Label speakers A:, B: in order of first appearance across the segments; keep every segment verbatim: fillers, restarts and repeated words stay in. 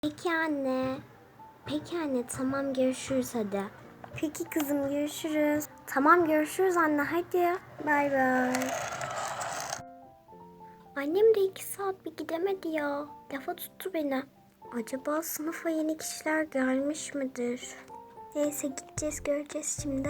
A: Peki anne. Peki anne, tamam görüşürüz hadi. Peki kızım, görüşürüz. Tamam görüşürüz anne, hadi. Bay bay. Annem de iki saat bir gidemedi ya. Lafa tuttu beni. Acaba sınıfa yeni kişiler gelmiş midir? Neyse, gideceğiz, göreceğiz şimdi.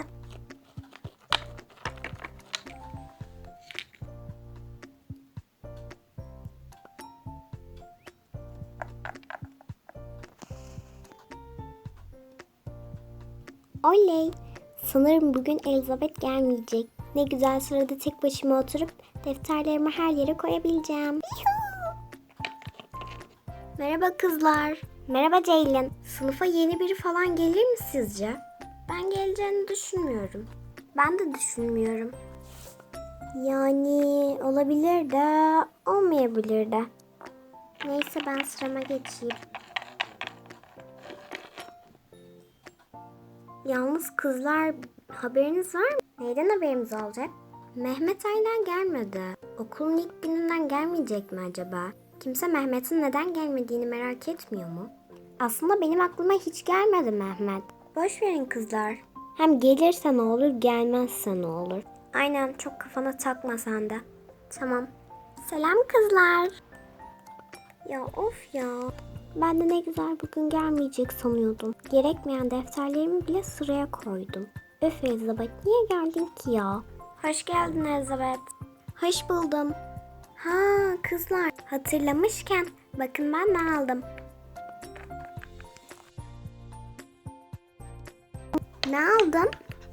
A: Oley! Sanırım bugün Elizabeth gelmeyecek. Ne güzel sırada tek başıma oturup defterlerimi her yere koyabileceğim. Yuhuu! Merhaba kızlar. Merhaba Ceylin. Sınıfa yeni biri falan gelir mi sizce? Ben geleceğini düşünmüyorum. Ben de düşünmüyorum. Yani olabilir de olmayabilir de. Neyse, ben sırama geçeyim. Yalnız kızlar, haberiniz var mı? Neyden haberimiz olacak? Mehmet hala gelmedi. Okulun ilk gününden gelmeyecek mi acaba? Kimse Mehmet'in neden gelmediğini merak etmiyor mu? Aslında benim aklıma hiç gelmedi Mehmet. Boş verin kızlar. Hem gelirse ne olur, gelmezse ne olur. Aynen, çok kafana takma sen de. Tamam. Selam kızlar. Ya of ya. Ben de ne güzel bugün gelmeyecek sanıyordum. Gerekmeyen defterlerimi bile sıraya koydum. Öf Elizabeth, niye geldin ki ya? Hoş geldin Elizabeth. Hoş buldum. Ha kızlar, hatırlamışken bakın ben ne aldım. Ne aldın?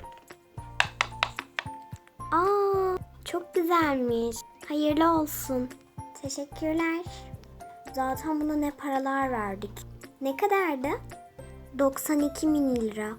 A: Aa, çok güzelmiş. Hayırlı olsun. Teşekkürler. Zaten buna ne paralar verdik. Ne kadardı? doksan iki bin lira.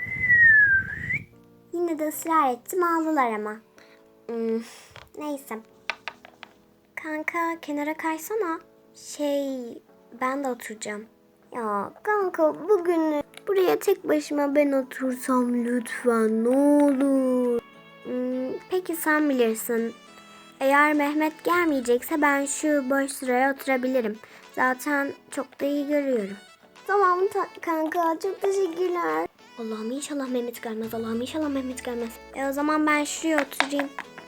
A: Yine de ısrar ettim, aldılar ama. Hmm, neyse. Kanka kenara kaysana. Şey, ben de oturacağım. Ya kanka, bugün buraya tek başıma ben otursam lütfen, ne olur. Hmm, peki sen bilirsin. Eğer Mehmet gelmeyecekse ben şu boş sıraya oturabilirim. Zaten çok da iyi görüyorum. Tamam ta- kanka, çok teşekkürler. Allah'ım inşallah Mehmet gelmez. Allah'ım inşallah Mehmet gelmez. E o zaman ben şuraya oturayım.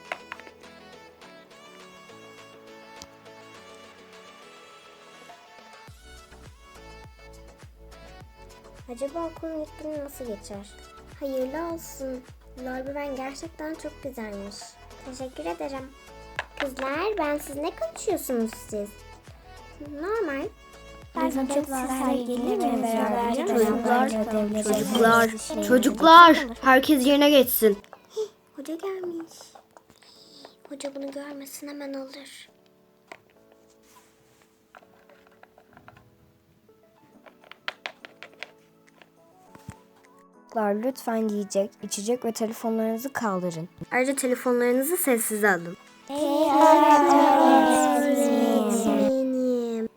A: Acaba okulun ilk günü nasıl geçer? Hayırlı olsun. Lorbeeren gerçekten çok güzelmiş. Teşekkür ederim. Kızlar, ben siz ne konuşuyorsunuz siz? Normal.
B: Bizim çok size gelir mi beraber
C: Çocuklar,
B: ödevleri
C: çocuklar,
B: yapalım.
C: çocuklar, herkes yerine geçsin.
A: Hoca gelmiş. Hoca bunu görmesin, hemen alır.
B: Çocuklar, lütfen yiyecek, içecek ve telefonlarınızı kaldırın.
C: Ayrıca telefonlarınızı sessize alın.
A: Öğretmenim.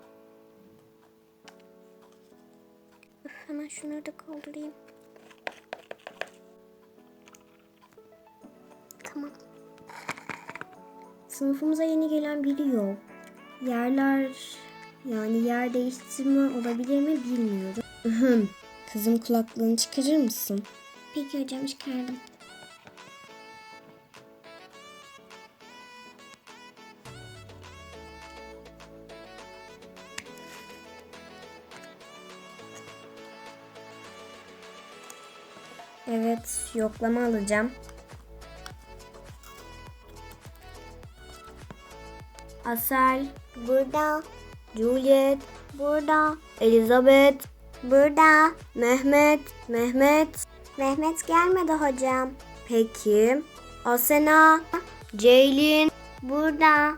A: Öf, hemen şunları da kaldırayım. Tamam. Sınıfımıza yeni gelen biri yok. Yerler, yani yer değiştirme olabilir mi bilmiyorum.
C: Kızım, kulaklığını çıkarır mısın?
A: Peki hocam, çıkardım.
C: Evet, yoklama alacağım. Asel,
A: Burada,
C: Juliet,
A: burada,
C: Elizabeth,
A: burada.
C: Mehmet, Mehmet.
A: Mehmet gelmedi hocam.
C: Peki. Asena, Ceylin.
A: Burada.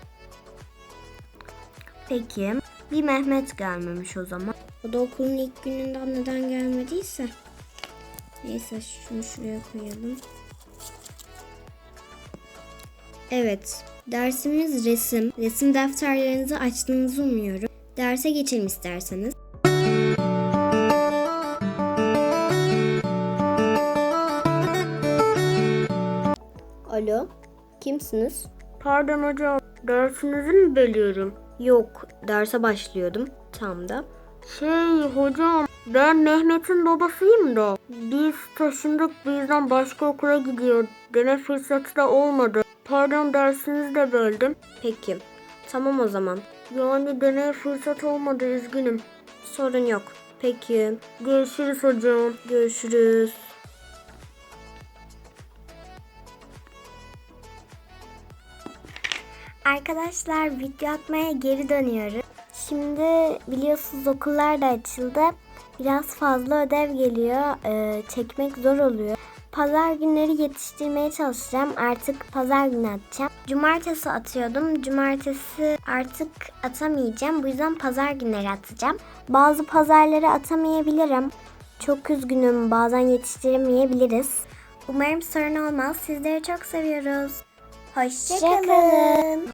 C: Peki. Bir Mehmet gelmemiş o zaman.
A: O da okulun ilk gününden neden gelmediyse. Neyse, şunu şuraya koyalım.
C: Evet, dersimiz resim. Resim defterlerinizi açtığınızı umuyorum. Derse geçelim isterseniz. Alo, kimsiniz? Pardon hocam, dersinizi mi bölüyorum? Yok, derse başlıyordum tam da. Şey hocam, ben Mehmet'in babasıyım da. Biz taşındık, bu yüzden başka okula gidiyor. Deneme fırsatı da olmadı. Pardon, dersinizi de böldüm.
A: Peki. Tamam o zaman.
C: Yani deneye fırsat olmadı, üzgünüm.
A: Sorun yok. Peki.
C: Görüşürüz hocam.
A: Görüşürüz. Arkadaşlar video atmaya geri dönüyoruz. Şimdi biliyorsunuz okullar da açıldı. Biraz fazla ödev geliyor. Ee, çekmek zor oluyor. Pazar günleri yetiştirmeye çalışacağım. Artık pazar günü atacağım. Cumartesi atıyordum. Cumartesi artık atamayacağım. Bu yüzden pazar günleri atacağım. Bazı pazarları atamayabilirim. Çok üzgünüm. Bazen yetiştiremeyebiliriz. Umarım sorun olmaz. Sizleri çok seviyoruz. Hoşça kalın.